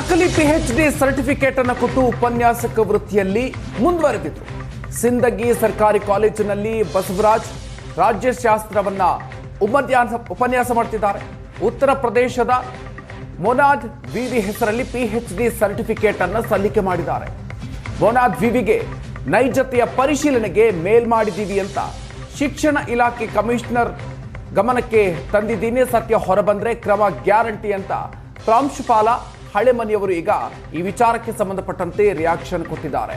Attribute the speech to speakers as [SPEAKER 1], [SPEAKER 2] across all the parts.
[SPEAKER 1] ನಕಲಿ PhD certificate ಅನ್ನು ಕೊಟ್ಟು ಉಪನ್ಯಾಸಕ ವೃತ್ತಿಯಲ್ಲಿ ಮುಂದುವರೆದಿದ್ರು. ಸಿಂದಗಿ ಸರ್ಕಾರಿ ಕಾಲೇಜಿನಲ್ಲಿ ಬಸವರಾಜ್ ರಾಜ್ಯಶಾಸ್ತ್ರವನ್ನ ಉಪನ್ಯಾಸ ಮಾಡ್ತಿದ್ದಾರೆ. ಉತ್ತರ ಪ್ರದೇಶದ ಮೊನಾದ್ ವಿವಿ ಹೆಸರಲ್ಲಿ PhD ಸರ್ಟಿಫಿಕೇಟ್ ಅನ್ನು ಸಲ್ಲಿಕೆ ಮಾಡಿದ್ದಾರೆ. ಮೊನಾದ್ ವಿವಿಗೆ ನೈಜತೆಯ ಪರಿಶೀಲನೆಗೆ ಮೇಲ್ ಮಾಡಿದ್ದೀವಿ ಅಂತ ಶಿಕ್ಷಣ ಇಲಾಖೆ ಕಮಿಷನರ್ ಗಮನಕ್ಕೆ ತಂದಿದ್ದೀನಿ. ಸತ್ಯ ಹೊರಬಂದ್ರೆ ಕ್ರಮ ಗ್ಯಾರಂಟಿ ಅಂತ ಪ್ರಾಂಶುಪಾಲ ಹಳೆಮನಿಯವರು ಈಗ ಈ ವಿಚಾರಕ್ಕೆ ಸಂಬಂಧಪಟ್ಟಂತೆ ರಿಯಾಕ್ಷನ್ ಕೊಟ್ಟಿದ್ದಾರೆ.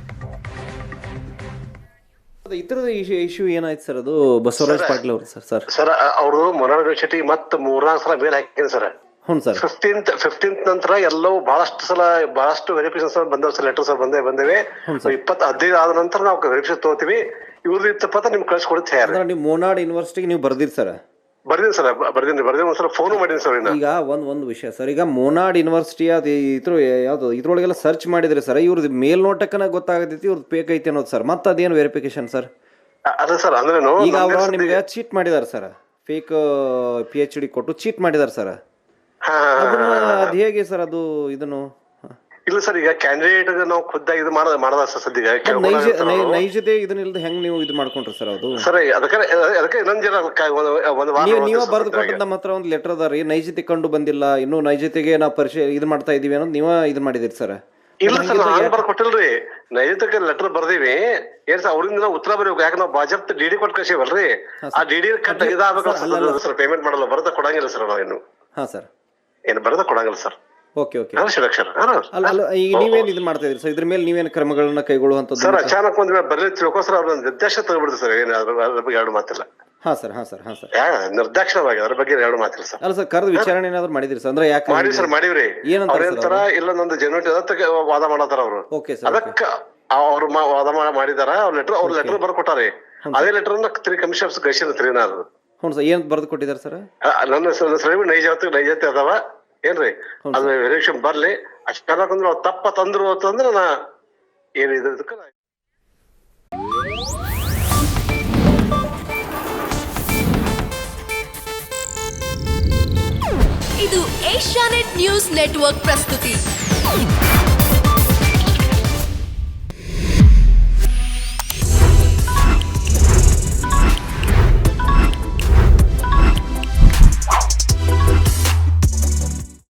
[SPEAKER 2] ಇತರದ ಇಶ್ಯೂ ಏನಾಯ್ತು ಸರ್? ಅದು ಬಸವರಾಜ್ ಪಾಟೀಲ್ ಅವರು
[SPEAKER 3] ಸರ್ ಅವರು ಮೊನಾಡ್ ಯೂನಿವರ್ಸಿಟಿ ಮತ್ತೆ 3-4 ಸಲ ಮೇಲ್ ಹಾಕಿದ್ರು ಸರ್.
[SPEAKER 2] ಹ್ಞೂ ಸರ್.
[SPEAKER 3] 15th ನಂತರ ಎಲ್ಲವೂ ಬಹಳಷ್ಟು ವೆರಿಫಿಕೇಶನ್ ಬಂದವ್ ಸರ್, ಲೆಟರ್ಸ್ ಬಂದೇವೆ. 15 ಆದ ನಂತರ ನಾವು ವೆರಿಫಿಕೇಶನ್ ತಗೋತೀವಿ. ಇವ್ರದ್ದು ಇತ್ತಪ್ಪ ನೀವು ಕಳ್ಸಿಕೊಡುತ್ತೆ.
[SPEAKER 2] ನೀವು ಮೊನಾಡ್ ಯೂನಿವರ್ಸಿಟಿಗೆ ನೀವು ಬರ್ದಿರಿ ಸರ್?
[SPEAKER 3] ಬರ್ದೀನಿ ಸರ್, ಬರ್ದೀನಿ ಒಂದ್ಸಲ ಫೋನ್ ಮಾಡೀನಿ ಸರ್.
[SPEAKER 2] ಈಗ ಒಂದು ವಿಷಯ ಸರ್, ಈಗ ಮೊನಾಡ್ ಯೂನಿವರ್ಸಿಟಿ ಅದು ಯಾವ್ದು ಇದ್ರೊಳಗೆಲ್ಲ ಸರ್ಚ್ ಮಾಡಿದ್ರಿ ಸರ್, ಇವ್ರದ್ದು ಮೇಲ್ನೋಟಕ್ಕನ ಗೊತ್ತಾಗತೈತಿ ಇವ್ರದ್ದು ಫೇಕ್ ಐತಿ ಅನ್ನೋದು ಸರ್. ಮತ್ತೆ ಅದೇನು ವೆರಿಫಿಕೇಶನ್ ಸರ್?
[SPEAKER 3] ಅದೇ ಸರ್, ಅಂದ್ರೆ
[SPEAKER 2] ಈಗ ಅವರು ನಿಮ್ಗೆ ಚೀಟ್ ಮಾಡಿದಾರೆ ಸರ್, ಫೇಕ್ PhD ಕೊಟ್ಟು ಚೀಟ್ ಮಾಡಿದಾರೆ ಸರ್. ಅದು ಹೇಗೆ ಸರ್ ಅದು ಇದನ್ನು?
[SPEAKER 3] ಇಲ್ಲ ಸರ್, ಈಗ ಕ್ಯಾಂಡಿಡೇಟ್ ನಾವು ಖುದ್ದಾಗಿ ಇದು ಮಾಡದ ಸರ್ ಸದ್ಯ
[SPEAKER 2] ನೈಜತೆ ಇದನ್ನಿಲ್ದ ಹೆಂಗ್ ನೀವು ಇದು ಮಾಡ್ಕೊಂಡ್ರಿ ಸರ್? ಅದು
[SPEAKER 3] ಸರ್ ಅದಕ್ಕೆ ಇನ್ನೊಂದ್ ಜನ
[SPEAKER 2] ನೀವು ಬರೆದು ಕೊಟ್ಟದ ನಮ್ಮ ಹತ್ರ ಒಂದು ಲೆಟರ್ ಅದ ರೀ, ನೈಜತೆ ಕಂಡು ಬಂದಿಲ್ಲ, ಇನ್ನು ನೈಜತೆಗೆ ನಾವು ಇದು ಮಾಡ್ತಾ ಇದೀವಿ ಅನ್ನೋದು ನೀವ ಇದು ಮಾಡಿದಿರಿ ಸರ್?
[SPEAKER 3] ಇಲ್ಲ ಸರ್, ನಾನು ಬರ್ದು ಕೊಟ್ಟಿಲ್ರಿ, ನೈಜತೆಗೆ ಲೆಟರ್ ಬರ್ದೀವಿ. ಏನ್ ಸರ್ ಅವ್ರಿಂದ ನಾವು ಉತ್ತರ ಬರೀಬೇಕು. ಯಾಕೆ ನಾವು ಬಾಜಪ್ತ DD ಕೊಟ್ಟು ಕಳ್ಸೀವಲ್ರಿ, ಆ DD ಕಟ್ ಇದಾಗಬೇಕು ಸರ್. ಪೇಮೆಂಟ್ ಮಾಡಲ್ಲ, ಬರದ ಕೊಡಂಗಿಲ್ಲ ಸರ್ ನಾವೇನು.
[SPEAKER 2] ಹಾ ಸರ್,
[SPEAKER 3] ಏನು ಬರದ ಕೊಡಂಗಿಲ್ಲ ಸರ್.
[SPEAKER 2] Okay okay. ಅಲ್ಲ ಈಗ ನೀವೇನ್ ಇದು ಮಾಡ್ತಾ ಇದ್ರಿ ಸರ್? ಇದ್ರ ಮೇಲೆ ನೀವೇನು ಕ್ರಮಗಳನ್ನ ಕೈಗೊಳ್ಳುವಂತದ್ದು
[SPEAKER 3] ಸರ್? ಅಚಾನಕ್ ಒಂದ್ ಬರ್ಲಿ ತಿಳ್ಕೋಸ್ಕರ ಅವ್ರ ನಿರ್ದೇಶ ತಗೊಬಿಡ್ತು ಸರ್. ಏನು ಅದ್ರ ಬಗ್ಗೆ ಎರಡು ಮಾತಿಲ್ಲ.
[SPEAKER 2] ಹಾ ಸರ್, ಹಾ ಸರ್, ಹಾ ಸರ್.
[SPEAKER 3] ನಿರ್ದಾಕ್ಷಣವಾಗಿ ಅದ್ರ ಬಗ್ಗೆ ಎರಡು ಮಾತಿಲ್ಲ ಸರ್.
[SPEAKER 2] ಅಲ್ಲ ಸರ್, ಕರೆದು ವಿಚಾರಣೆ ಏನಾದ್ರು ಮಾಡಿದ್ರಿ ಸರ್? ಅಂದ್ರೆ ಯಾಕೆ
[SPEAKER 3] ಮಾಡಿವಿ ಸರ್? ಮಾಡಿವ್ರಿ. ಅವ್ರೇಂತಾರ ಇಲ್ಲ ನಂದು ಜೆನ್ಯೂಟಿ ವಾದ ಮಾಡತಾರ ಅವರು. ಅದಕ್ಕ ಅವ್ರು ವಾದ ಮಾಡಿದಾರ. ಅವ್ರ ಲೆಟರ್ ಬರ್ಕೊಟ್ಟಾರಿ. ಅದೇ ಲೆಟರ್ ತ್ರೀ ಕಮಿಷನರ್ಸ್ ಕಳಿಸಿದ್ರಿ ನಾನು.
[SPEAKER 2] ಹ್ಞೂ ಸರ್, ಏನ್ ಬರ್ದು ಕೊಟ್ಟಿದ್ದಾರೆ ಸರ್?
[SPEAKER 3] ನನ್ನ ಸರಿ ನೈಜತೆ ಅದಾವ ಏನ್ರಿ, ಅದು ವೆರಿಫಿಕೇಶನ್ ಬರ್ಲಿ. ಅಷ್ಟಂದ್ರೆ ತಪ್ಪ ತಂದ್ರು ಅಂತಂದ್ರೆ ನಾ ಏನ್ ಇದಕ್ಕ
[SPEAKER 4] ಇದು ಏಷ್ಯಾನೆಟ್ ನ್ಯೂಸ್ ನೆಟ್ವರ್ಕ್ ಪ್ರಸ್ತುತಿ.